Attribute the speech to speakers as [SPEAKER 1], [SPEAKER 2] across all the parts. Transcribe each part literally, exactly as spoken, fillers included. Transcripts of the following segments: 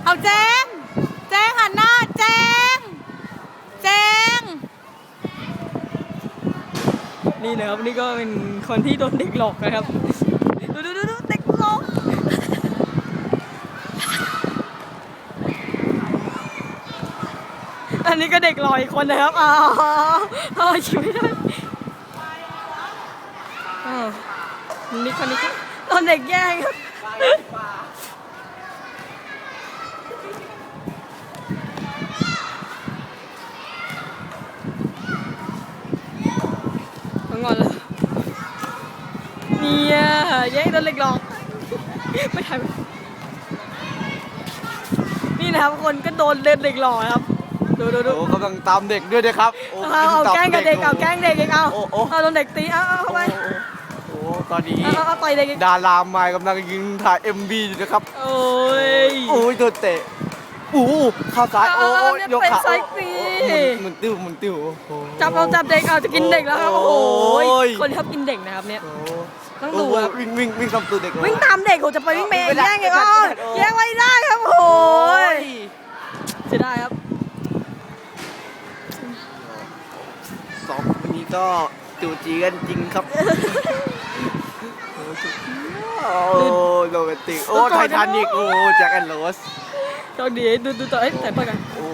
[SPEAKER 1] เอาแจ้งแจ้งหันหน้าแจ้งแจ้งนี่นะครับนี่ก็เป็นคนที่โดนเด็กหลอกนะครับดูดูดูเด็กหลอกอันนี้ก็เด็กหลอกอีกคนนะครับอ๋ออ๋อชิวไม่ได้อ๋อนี่คนนี้ก็โดนเด็กแย่งครับงอนเลยเนี่ยแย่งโดนเด็กหลอกไม่ทันนี่นะครับคนก็โดนเด็กหลอกครับดูดูดู
[SPEAKER 2] โอ้กำลังตามเด็กด้วยนะครับ
[SPEAKER 1] เอาเอาแกล้งกับเด็กเอาแกล้งเด็กเองเอาเอาโดนเด็กตีเอาเอาเข้าไป
[SPEAKER 2] โอ้ตอนนี้
[SPEAKER 1] เอาเอาต่อยเด็ก
[SPEAKER 2] ดารามายกำลังยิงถ่าย เอ็ม วี อยู่นะครับ
[SPEAKER 1] โอ้ย
[SPEAKER 2] โอ้ยโดนเตะโอ้เข้าซ้ายโอ้ยยกขาหมุนติ้วหมุนติ้ว
[SPEAKER 1] จับเราจับเด็กเอาจะกินเด็กแล้วครับโอ้ยคนที่ชอบกินเด็กนะครับเนี่ยต้องดูครับ
[SPEAKER 2] วิ่งวิ่งวิ่งตามตัวเด็ก
[SPEAKER 1] วิ่งตามเด็กโหจะไปวิ่งเมย์แย่งไงอ๋อแย่งไม่ได้ครับโอ้ยจะได้ครับ
[SPEAKER 2] สองคนนี้ก็จูจีกันจริงครับโอ้โรแมนติกโอ้ไททานิกโอ้แจ็คแอนด์โรส
[SPEAKER 1] โชคดีดูดูต่อเอ้ยใส่เปิดกัน
[SPEAKER 2] โอ้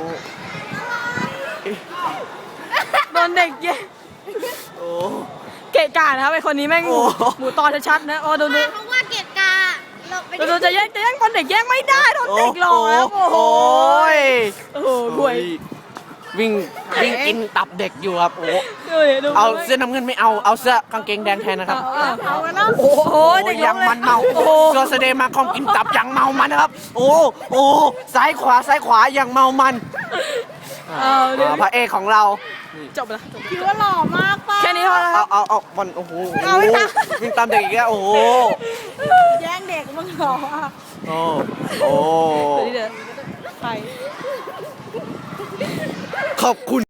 [SPEAKER 1] โดนเด็กแย่ง
[SPEAKER 2] โอ้
[SPEAKER 1] เกะกะนะครับไอคนนี้แม่งหมูตอนชัดๆนะโอ้ดูดู
[SPEAKER 3] เพราะว่าเกะกะ
[SPEAKER 1] ดูดูจะแย่งจะแย่งคนเด็กแย่งไม่ได้โดนเด็กหลอกแล้วโอ้โหโอ้โหห่วย
[SPEAKER 2] วิ่งวิ่งกินตับเด็กอยู่ครับโอ้
[SPEAKER 1] เอา
[SPEAKER 2] เสื้อน้ำเงินไม่เอาเอาเสื้อกางเกงแดงแทนนะครับ
[SPEAKER 1] เอาแล้วโอ้โหเด็ก
[SPEAKER 2] ยังมันเมาเสื้อแสดงมาของกินตับยังเมามันนะครับโอ้โอ้ซ้ายขวาซ้ายขวายังเมามันพระเอกของเรา
[SPEAKER 1] จบแล้ว
[SPEAKER 3] คิดว่าหล่อมากป่ะ
[SPEAKER 1] แค่นี้พอแล้ว
[SPEAKER 2] เอาเอาเอามันโอ้โหวิ่งตามเด็กอีกแล้วโอ้โห
[SPEAKER 3] แย่งเด็กมึงหล่ออ่ะ
[SPEAKER 2] โอ้โอ้
[SPEAKER 1] ไป
[SPEAKER 2] ขอบคุณ